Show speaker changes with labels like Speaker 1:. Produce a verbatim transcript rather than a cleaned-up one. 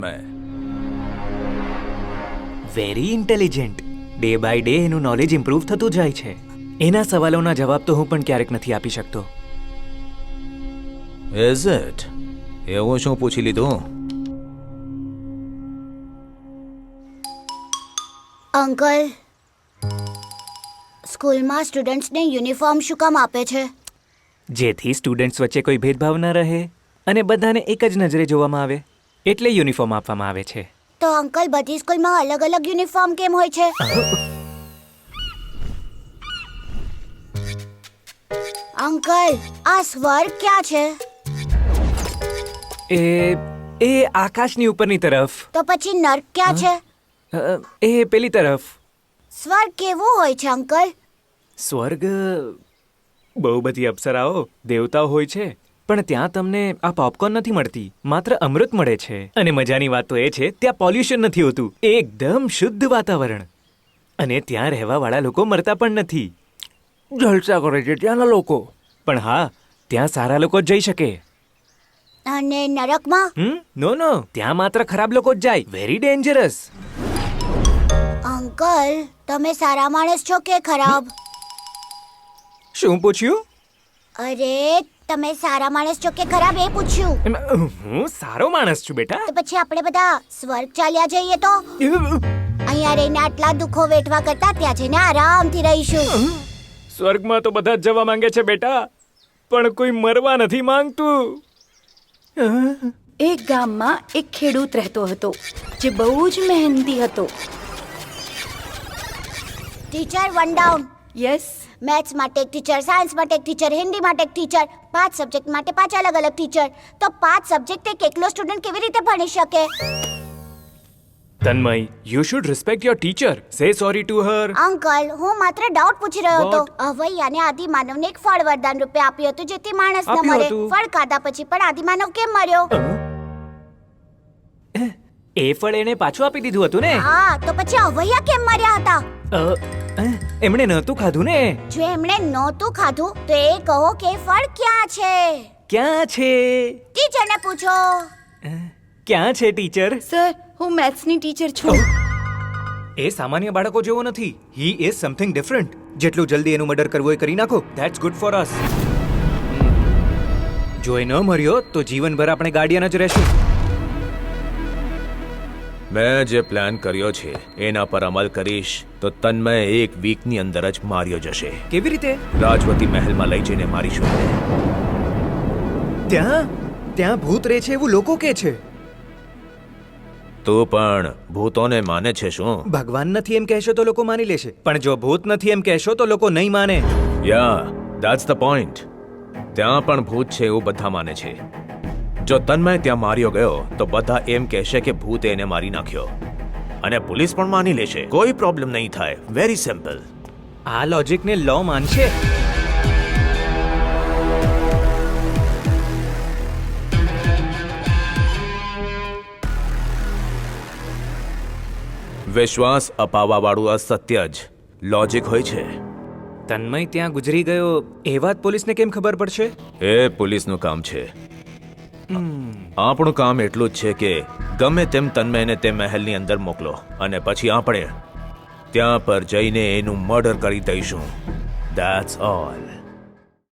Speaker 1: Very intelligent. Day by day એનું knowledge improve થતું જાય છે. એના સવાલોના જવાબ તો હું પણ ક્યારેક નથી આપી શકતો.
Speaker 2: Is it? એવું શું પૂછી લીધું?
Speaker 3: અંકલ, સ્કૂલમાં સ્ટુડન્ટ્સને યુનિફોર્મ શું કામ આપે છે?
Speaker 1: જેથી સ્ટુડન્ટ્સ વચ્ચે કોઈ ભેદભાવ ન રહે અને બધાને એક જ નજરે જોવામાં આવે, એટલે યુનિફોર્મ આપવામાં આવે છે.
Speaker 3: તો અંકલ, બધી સ્કૂલમાં અલગ અલગ યુનિફોર્મ કેમ હોય છે? અંકલ, આ સ્વર્ગ ક્યાં છે?
Speaker 1: એ એ આકાશની ઉપરની તરફ.
Speaker 3: તો પછી નર્ક ક્યાં છે?
Speaker 1: અ, એ પેલી તરફ.
Speaker 3: સ્વર્ગ કેવું હોય છે અંકલ?
Speaker 1: સ્વર્ગ બહુ બધી અપ્સરાઓ, દેવતાઓ હોય છે, પણ ત્યાં તમને આ પોપકોર્ન નથી મળતી, માત્ર અમૃત મળે છે. અને મજાની વાત તો એ છે, ત્યાં પોલ્યુશન નથી હોતું, એકદમ શુદ્ધ વાતાવરણ. અને ત્યાં રહેવાવાળા લોકો મરતા પણ નથી. જલસા કરે છે ત્યાંના લોકો. પણ હા, ત્યાં સારા લોકો જ જઈ શકે.
Speaker 3: અને નરકમાં?
Speaker 1: હમ નો નો, ત્યાં માત્ર ખરાબ લોકો જ જાય. Very dangerous.
Speaker 3: અંકલ, તમે સારા માણસ છો કે ખરાબ?
Speaker 1: શું પૂછ્યું?
Speaker 3: અરે, તમે સારા માણસ છો કે ખરાબ એ પૂછ્યું.
Speaker 1: એમ, હું સારો માણસ છું બેટા.
Speaker 3: તો પછી આપણે બધા સ્વર્ગ ચાલ્યા જઈએ તો? અહીંયા રહીને આટલા દુઃખો વેઠવા કરતા ત્યાં જઈને આરામથી રહીશું.
Speaker 1: સ્વર્ગમાં તો બધા જ જવા માંગે છે બેટા, પણ કોઈ મરવા નથી માંગતું.
Speaker 4: એક ગામમાં એક ખેડૂત રહેતો હતો જે બહુ જ મહેનતી હતો.
Speaker 3: Teacher, one down.
Speaker 4: Yes.
Speaker 3: Maths માટે એક ટીચર, સાયન્સ માટે એક ટીચર, હિન્દી માટે એક ટીચર, પાંચ સબ્જેક્ટ માટે પાંચ અલગ અલગ ટીચર. તો પાંચ સબ્જેક્ટ એક એકલો સ્ટુડન્ટ કેવી રીતે ભણી શકે?
Speaker 1: Tanmay, you should respect your teacher. Say sorry to her.
Speaker 3: Uncle, હું માત્ર ડાઉટ પૂછી રહ્યો હતો.
Speaker 1: What?
Speaker 3: અવૈયાને આદિમાનવને એક ફળ વરદાન રૂપે આપ્યું હતું જેથી માણસ ન
Speaker 1: આપ્યું
Speaker 3: મરે.
Speaker 1: હતું?
Speaker 3: ફળ ખાધા પછી પણ આદિમાનવ કેમ મર્યો?
Speaker 1: એ ફળ એને પાછું આપી દીધું હતું ને.
Speaker 3: હા, તો પછી અવૈયા કેમ મર્યા હતા?
Speaker 1: અ, અ, એમણે નહોતું ખાધું ને.
Speaker 3: જો એમણે નહોતું ખાધું તો એ કહો કે ફળ ક્યાં છે?
Speaker 1: ક્યાં છે?
Speaker 3: ટીચરને પૂછો.
Speaker 1: ક્યાં છે ટીચર?
Speaker 4: સર, હું મેથ્સની ટીચર છું.
Speaker 1: એ સામાન્ય બાળકો જેવો નથી. He is something different. જેટલું જલ્દી એનું મર્ડર કરવું એ કરી નાખો. That's good for us. જો એ ન મર્યો તો જીવનભર આપણે ગાર્ડિયન જ રહેશું.
Speaker 2: મેં જે પ્લાન કર્યો છે એના પર અમલ કરીશ તો તન્મય એક વીકની અંદર જ માર્યો જશે.
Speaker 1: કેવી રીતે?
Speaker 2: રાજવતી મહેલમાં લઈ જઈને મારીશું એને.
Speaker 1: ત્યાં ત્યાં ભૂત રહે છે એવું લોકો કે છે.
Speaker 2: તું પણ ભૂતોને માને છે શું?
Speaker 1: ભગવાન નથી એમ કહેશો તો લોકો માની લેશે, પણ જો ભૂત નથી એમ કહેશો તો લોકો નહીં માને.
Speaker 2: Yeah that's the point. ત્યાં પણ ભૂત છે એવું બધા માને છે. જો તન્મય ત્યાં માર્યો ગયો તો બધા એમ કહેશે કે ભૂતે એને મારી નાખ્યો, અને પોલીસ પણ માની લેશે. કોઈ પ્રોબ્લેમ નહીં થાય. Very simple.
Speaker 1: આ લોજિકને લો માનશે.
Speaker 2: વિશ્વાસ અપાવવા વાળું અસત્ય જ લોજિક હોય છે.
Speaker 1: તન્મય ત્યાં ગુજરી ગયો એ વાત પોલીસને કેમ ખબર પડશે?
Speaker 2: એ પોલીસનું કામ છે. આપણું કામ એટલું જ છે કે ગમે તેમ તન્મયને તે મહેલની અંદર મોકલો, અને પછી આપણે ત્યાં પર જઈને એનું મર્ડર કરી દઈશું. That's all.